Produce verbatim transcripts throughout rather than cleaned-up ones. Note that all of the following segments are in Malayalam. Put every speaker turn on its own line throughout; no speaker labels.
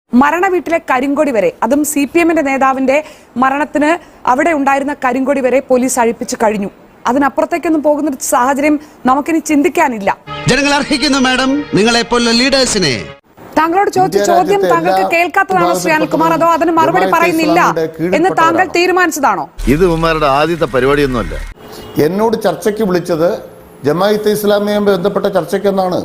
മരണ വീട്ടിലെ കരിങ്കൊടി വരെ, അതും സി പി എമ്മിന്റെ നേതാവിന്റെ മരണത്തിന് അവിടെ ഉണ്ടായിരുന്ന കരിങ്കൊടി വരെ പോലീസ് അഴിപ്പിച്ചു കഴിഞ്ഞു. അതിനപ്പുറത്തേക്കൊന്നും പോകുന്ന സാഹചര്യം നമുക്കിനി ചിന്തിക്കാനില്ല.
ജനങ്ങൾ അർഹിക്കുന്നു മാഡം നിങ്ങളെ പോലുള്ള ലീഡേഴ്സിനെ.
താങ്കളോട് ചോദിച്ച ചോദ്യം താങ്കൾക്ക് കേൾക്കാത്തതാണോ ശ്രീ അനിൽകുമാർ, അതോ അതിന് മറുപടി പറയുന്നില്ല എന്ന് താങ്കൾ തീരുമാനിച്ചതാണോ?
ഇത് ഉമ്മാരുടെ ആദ്യത്തെ പരിപാടിയൊന്നുമല്ല.
എന്നോട് ചർച്ചയ്ക്ക് വിളിച്ചത് ജമാഅത്തെ ഇസ്ലാമിയുമായി ബന്ധപ്പെട്ട ചർച്ചയ്ക്കെന്നാണ്.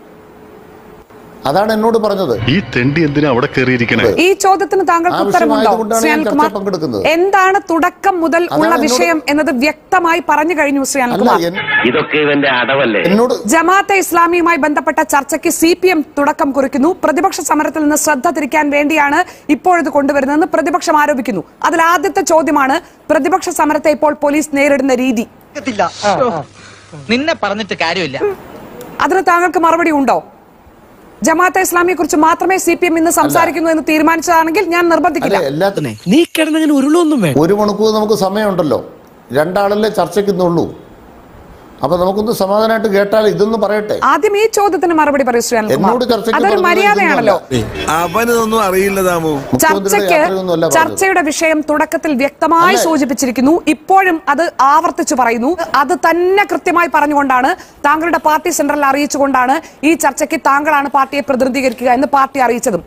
അതാണ് എന്നോട് പറഞ്ഞത്.
ഈ തെണ്ടി എന്തിനാ അവിടെ കയറിയിരിക്കണേ?
ഈ ചോദ്യത്തിന് താങ്കൾക്ക് ഉത്തരമുണ്ടോ ശ്രീ അനിൽകുമാർ? എന്താണ് തുടക്കം മുതൽ ഉള്ള വിഷയം എന്നത് വ്യക്തമായി പറഞ്ഞു കഴിഞ്ഞു ശ്രീ അനിൽകുമാർ.
ഇതൊക്കെ ഇവന്റെ അടവല്ലേ?
ജമാഅത്തെ ഇസ്ലാമിയുമായി ബന്ധപ്പെട്ട ചർച്ചയ്ക്ക് സി പി എം തുടക്കം കുറിക്കുന്നു. പ്രതിപക്ഷ സമരത്തിൽ നിന്ന് ശ്രദ്ധ തിരിക്കാൻ വേണ്ടിയാണ് ഇപ്പോഴിത് കൊണ്ടുവരുന്നതെന്ന് പ്രതിപക്ഷം ആരോപിക്കുന്നു. അതിൽ ആദ്യത്തെ ചോദ്യമാണ് പ്രതിപക്ഷ സമരത്തെ ഇപ്പോൾ പോലീസ് നേരിടുന്ന രീതി.
നിന്നെ പറഞ്ഞിട്ട് കാര്യമില്ല.
അതിന് താങ്കൾക്ക് മറുപടി ഉണ്ടോ? ജമാഅത്തെ ഇസ്ലാമിയെ കുറിച്ച് മാത്രമേ സി പി എം ഇന്ന് സംസാരിക്കുന്നു എന്ന് തീരുമാനിച്ചതാണെങ്കിൽ ഞാൻ നിർബന്ധിക്കില്ല.
നീ കിടന്നങ്ങനെ ഉരുളൊന്നും വേണം.
ഒരു മണിക്കൂർ നമുക്ക് സമയമുണ്ടല്ലോ, രണ്ടാളല്ലേ ചർച്ചയ്ക്കുന്നുള്ളൂ. അപ്പൊ നമുക്കൊന്ന് സമാധാനമായിട്ട് കേട്ടാൽ ഇതൊന്നും പറയട്ടെ.
ആദ്യം ഈ ചോദ്യത്തിന് മറുപടി പറയൂ ശ്രീ അനിൽകുമാർ. അതൊരു മര്യാദയാണല്ലോ.
അവനൊന്നും അറിയില്ല താമോ.
ചർച്ചയ്ക്ക് ചർച്ചയുടെ വിഷയം തുടക്കത്തിൽ വ്യക്തമായി സൂചിപ്പിച്ചിരിക്കുന്നു. ഇപ്പോഴും അത് ആവർത്തിച്ചു പറയുന്നു. അത് തന്നെ കൃത്യമായി പറഞ്ഞുകൊണ്ടാണ്, താങ്കളുടെ പാർട്ടി സെൻട്രൽ അറിയിച്ചുകൊണ്ടാണ് ഈ ചർച്ചയ്ക്ക് താങ്കളാണ് പാർട്ടിയെ പ്രതിനിധീകരിക്കുക എന്ന് പാർട്ടി അറിയിച്ചതും.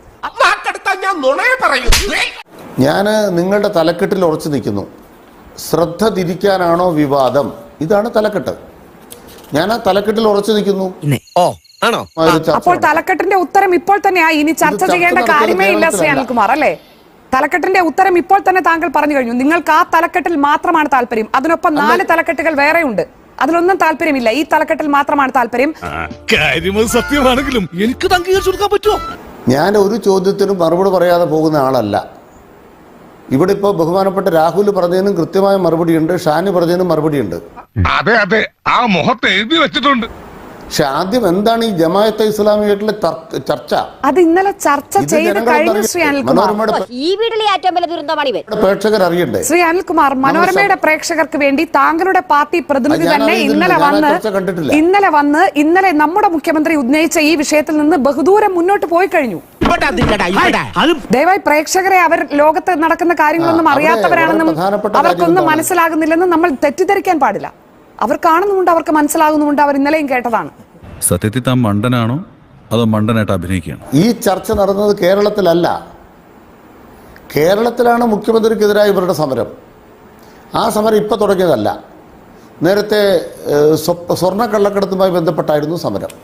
ഞാൻ നിങ്ങളുടെ തലക്കെട്ടിൽ ഉറച്ചു നിൽക്കുന്നു. ശ്രദ്ധ തിരിക്കാനാണോ വിവാദം? ഇതാണ് തലക്കെട്ട്. ഞാൻ ആ തലക്കെട്ടിൽ ഉറച്ചു നിൽക്കുന്നു.
അപ്പോൾ തലക്കെട്ടിന്റെ ഉത്തരം ഇപ്പോൾ തന്നെയായി. ഇനി ചർച്ച ചെയ്യേണ്ട കാര്യമേ ഇല്ല ശ്രീ അനിൽകുമാർ, അല്ലേ? തലക്കെട്ടിന്റെ ഉത്തരം ഇപ്പോൾ തന്നെ താങ്കൾ പറഞ്ഞു കഴിഞ്ഞു. നിങ്ങൾക്ക് ആ തലക്കെട്ടിൽ മാത്രമാണ് താല്പര്യം. അതിനൊപ്പം നാല് തലക്കെട്ടുകൾ വേറെയുണ്ട്. അതിലൊന്നും താല്പര്യമില്ല. ഈ തലക്കെട്ടിൽ മാത്രമാണ് താല്പര്യം.
സത്യമാണെങ്കിലും എനിക്ക് അംഗീകരിച്ചു കൊടുക്കാൻ പറ്റുമോ?
ഞാൻ ഒരു ചോദ്യത്തിനും മറുപടി പറയാതെ പോകുന്ന ആളല്ല. ഇവിടെ ഇപ്പോൾ ബഹുമാനപ്പെട്ട രാഹുൽ പറഞ്ഞതിനും കൃത്യമായ മറുപടിയുണ്ട്, ഷാനി പറഞ്ഞതിനും മറുപടിയുണ്ട്.
അതെ അതെ, ആ മുഖത്ത് എഴുതി വെച്ചിട്ടുണ്ട്.
പക്ഷെ ആദ്യം എന്താണ് ഈ ജമാഅത്തെ ഇസ്ലാമിയായിട്ടുള്ള ചർച്ച?
അത് ഇന്നലെ ചർച്ച ചെയ്ത് കഴിഞ്ഞു ശ്രീ അനിൽകുമാർ.
ഈ വീട്ടിലെ ഏറ്റവും വലിയ ദുരന്തമാണ് ഇവൻ.
പ്രേക്ഷകർ അറിയണ്ടേ?
ശ്രീ അനിൽകുമാർ, മനോരമയുടെ പ്രേക്ഷകർക്ക് വേണ്ടി താങ്കളുടെ പാർട്ടി പ്രതിനിധി തന്നെ ഇന്നലെ വന്ന് ഇന്നലെ വന്ന് ഇന്നലെ നമ്മുടെ മുഖ്യമന്ത്രി ഉന്നയിച്ച ഈ വിഷയത്തിൽ നിന്ന് ബഹുദൂരം മുന്നോട്ട് പോയി കഴിഞ്ഞു. ദയവായി പ്രേക്ഷകരെ അവർ ലോകത്ത് നടക്കുന്ന കാര്യങ്ങളൊന്നും അറിയാത്തവരാണെന്നും അവർക്കൊന്നും മനസ്സിലാകുന്നില്ലെന്നും നമ്മൾ തെറ്റിദ്ധരിക്കാൻ പാടില്ല. അവർ കാണുന്നുമുണ്ട്, അവർക്ക് മനസ്സിലാകുന്നുമുണ്ട്. അവർ ഇന്നലെയും കേട്ടതാണ്.
സത്യത്തിൽ താൻ മണ്ടനാണോ അതോ മണ്ടനായിട്ട് അഭിനയിക്കുകയാണ്?
ഈ ചർച്ച നടന്നത് കേരളത്തിലല്ല. കേരളത്തിലാണ് മുഖ്യമന്ത്രിക്കെതിരായ ഇവരുടെ സമരം. ആ സമരം ഇപ്പൊ തുടങ്ങിയതല്ല. നേരത്തെ സ്വർണ്ണ കള്ളക്കടത്തുമായി ബന്ധപ്പെട്ടായിരുന്നു സമരം.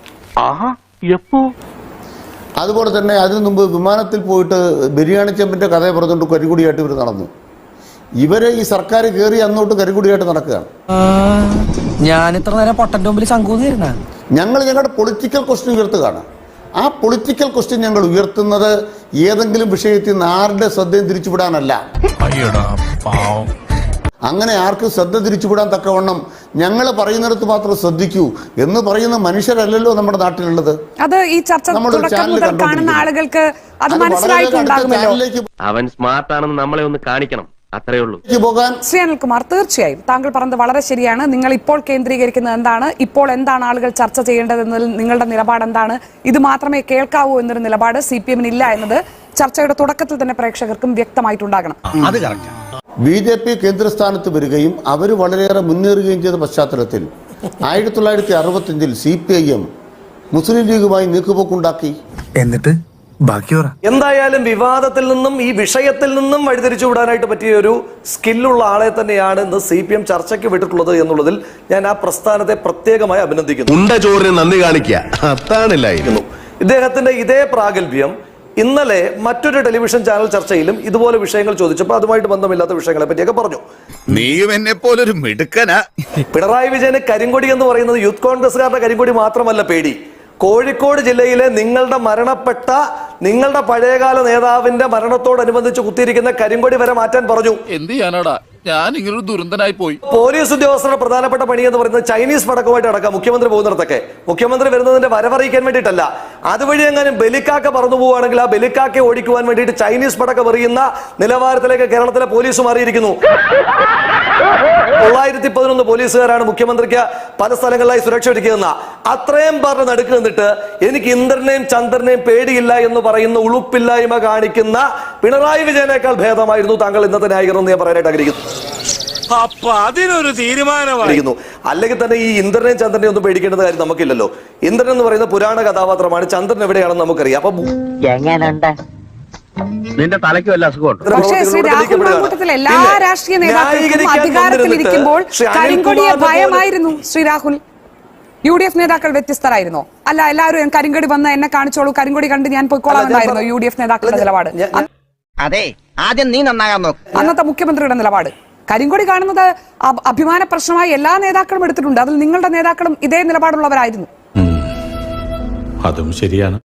അതുപോലെ തന്നെ അതിനു മുമ്പ് വിമാനത്തിൽ പോയിട്ട് ബിരിയാണി ചെമ്പിന്റെ കഥ പറഞ്ഞുകൊണ്ട് കരികുടിയായിട്ട് ഇവർ നടന്നു. ഇവരെ ഈ സർക്കാർ കയറി അന്നോട്ട് കരികുടിയായിട്ട് നടക്കുകയാണ്.
ഞാൻ ഇത്ര നേരം പൊട്ടന്റെ മുമ്പിൽ ശങ്കൂന്നിരുന്ന
ഞങ്ങൾ ഞങ്ങളുടെ പൊളിറ്റിക്കൽ ക്വസ്റ്റ്യൻ ഉയർത്തുകയാണ്. ആ പൊളിറ്റിക്കൽ ക്വസ്റ്റ്യൻ ഞങ്ങൾ ഉയർത്തുന്നത് ഏതെങ്കിലും വിഷയത്തിൽ നിന്ന് ആരുടെ ശ്രദ്ധയും തിരിച്ചുവിടാനല്ല. അങ്ങനെ ആർക്കും ശ്രദ്ധ തിരിച്ചുവിടാൻ തക്കവണ്ണം ഞങ്ങൾ പറയുന്നിടത്ത് മാത്രം ശ്രദ്ധിക്കൂ എന്ന് പറയുന്ന മനുഷ്യരല്ലല്ലോ നമ്മുടെ നാട്ടിലുള്ളത്.
അത് ഈ ചർച്ച കാണുന്ന ആളുകൾക്ക് അത് മനസ്സിലായിട്ടുണ്ടാകുമല്ലോ.
അവൻ സ്മാർട്ട് ആണെന്ന് നമ്മളെ ഒന്ന് കാണിക്കണം, അത്രേ ഉള്ളൂ.
ശ്രീ അനിൽകുമാർ, തീർച്ചയായും താങ്കൾ പറഞ്ഞത് വളരെ ശരിയാണ്. നിങ്ങൾ ഇപ്പോൾ കേന്ദ്രീകരിക്കുന്നത് എന്താണ്, ഇപ്പോൾ എന്താണ് ആളുകൾ ചർച്ച ചെയ്യേണ്ടതെന്നതിൽ നിങ്ങളുടെ നിലപാട് എന്താണ്? ഇത് മാത്രമേ കേൾക്കാവൂ എന്നൊരു നിലപാട് സി പി എമ്മിന് ഇല്ല എന്നത് ചർച്ചയുടെ തുടക്കത്തിൽ തന്നെ പ്രേക്ഷകർക്കും വ്യക്തമായിട്ടുണ്ടാകണം.
ബി ജെ പി കേന്ദ്രസ്ഥാനത്ത് വരികയും അവർ വളരെയേറെ മുന്നേറുകയും ചെയ്ത പശ്ചാത്തലത്തിൽ ആയിരത്തി തൊള്ളായിരത്തി അറുപത്തി അഞ്ചിൽ C P I M Muslim ലീഗുമായി നീക്കുപോക്കുണ്ടാക്കി.
എന്നിട്ട്
എന്തായാലും വിവാദത്തിൽ നിന്നും ഈ വിഷയത്തിൽ നിന്നും വഴിതിരിച്ചു വിടാനായിട്ട് പറ്റിയ ഒരു സ്കില്ലുള്ള ആളെ തന്നെയാണ് ഇന്ന് സി പി എം ചർച്ചയ്ക്ക് വിട്ടിട്ടുള്ളത് എന്നുള്ളതിൽ ഞാൻ ആ പ്രസ്ഥാനത്തെ പ്രത്യേകമായി അഭിനന്ദിക്കുന്നു.
നന്ദി കാണിക്കുക.
ഇദ്ദേഹത്തിന്റെ ഇതേ പ്രാഗൽഭ്യം ഇന്നലെ മറ്റൊരു ടെലിവിഷൻ ചാനൽ ചർച്ചയിലും ഇതുപോലെ വിഷയങ്ങൾ ചോദിച്ചപ്പോൾ അതുമായിട്ട് ബന്ധമില്ലാത്ത വിഷയങ്ങളെ പറ്റിയൊക്കെ പറഞ്ഞു.
നീയും എന്നെ പോലൊരു മിടുക്കനാ.
പിണറായി വിജയന് കരിങ്കൊടി എന്ന് പറയുന്നത് യൂത്ത് കോൺഗ്രസ്സുകാരുടെ കരിങ്കൊടി മാത്രമല്ല പേടി. കോഴിക്കോട് ജില്ലയിലെ നിങ്ങളുടെ മരണപ്പെട്ട നിങ്ങളുടെ പഴയകാല നേതാവിന്റെ മരണത്തോടനുബന്ധിച്ച് കുത്തിയിരിക്കുന്ന കരിങ്കൊടി വരെ മാറ്റാൻ പറഞ്ഞു.
എന്ത് ചെയ്യാനാടാ, ഞാൻ ഇങ്ങനൊരു ദുരന്തനായി പോയി.
പോലീസ് ഉദ്യോഗസ്ഥരുടെ പ്രധാനപ്പെട്ട പണി എന്ന് പറയുന്നത് ചൈനീസ് പടക്കമായിട്ട് അടക്കാം മുഖ്യമന്ത്രി പോകുന്നിടത്തൊക്കെ. മുഖ്യമന്ത്രി വരുന്നതിന്റെ വരവറിയിക്കാൻ വേണ്ടിയിട്ടല്ല, അതുവഴി എങ്ങാനും ബലിക്കാക്ക പറന്നു പോവുകയാണെങ്കിൽ ആ ബലിക്കാക്കെ ഓടിക്കുവാൻ വേണ്ടിയിട്ട് ചൈനീസ് പടക്കം എറിയുന്ന നിലവാരത്തിലേക്ക് കേരളത്തിലെ പോലീസ് മാറിയിരിക്കുന്നു. തൊള്ളായിരത്തി പതിനൊന്ന് പോലീസുകാരാണ് മുഖ്യമന്ത്രിക്ക് പല സ്ഥലങ്ങളിലായി സുരക്ഷ ഒരുക്കിയെന്ന അത്രയും പറഞ്ഞ് നടുക്ക് നിന്നിട്ട് എനിക്ക് ഇന്ദ്രനെയും ചന്ദ്രനെയും പേടിയില്ല എന്ന് പറയുന്ന ഉളുപ്പില്ലായ്മ കാണിക്കുന്ന പിണറായി വിജയനേക്കാൾ ഭേദമായിരുന്നു താങ്കൾ ഇന്നത്തെ ന്യായീകരണം എന്ന് ഞാൻ പറയാനായിട്ട് ആഗ്രഹിക്കുന്നു.
അപ്പൊ അതിനൊരു തീരുമാനമായിരുന്നു.
അല്ലെങ്കിൽ തന്നെ ഈ ഇന്ദ്രനെയും ചന്ദ്രനെയും ഒന്നും പേടിക്കേണ്ട കാര്യം നമുക്കില്ലല്ലോ. ഇന്ദ്രൻ എന്ന് പറയുന്ന പുരാണ കഥാപാത്രമാണ്, ചന്ദ്രൻ എവിടെയാണെന്ന് നമുക്കറിയാം. അപ്പൊ
നിന്റെ തലയ്ക്ക് വല്ല അസുഖമുണ്ട്.
പക്ഷേ ശ്രീ രാഹുൽ മാങ്കൂട്ടത്തിൽ എല്ലാ രാഷ്ട്രീയ നേതാക്കൾക്കും അധികാരത്തിലിരിക്കുമ്പോൾ കരിങ്കൊടിയെ ഭയമായിരുന്നു. Shri Rahul, U D F നേതാക്കൾ വ്യത്യസ്തരായിരുന്നോ? അല്ല, എല്ലാവരും കരിങ്കൊടി വന്ന് എന്നെ കാണിച്ചോളൂ, കരിങ്കൊടി കണ്ട് ഞാൻ പൊയ്ക്കോളാമെന്നായിരുന്നു യു ഡി എഫ് നേതാക്കളുടെ നിലപാട്.
അതെ, ആദ്യം നീ നന്നാകാൻ നോക്ക്.
അന്നത്തെ മുഖ്യമന്ത്രിയുടെ നിലപാട് കരിങ്കൊടി കാണുന്നത് അഭിമാന പ്രശ്നമായി എല്ലാ നേതാക്കളും എടുത്തിട്ടുണ്ട്. അതിൽ നിങ്ങളുടെ നേതാക്കളും ഇതേ നിലപാടുള്ളവരായിരുന്നു.
അതും ശരിയാണ്.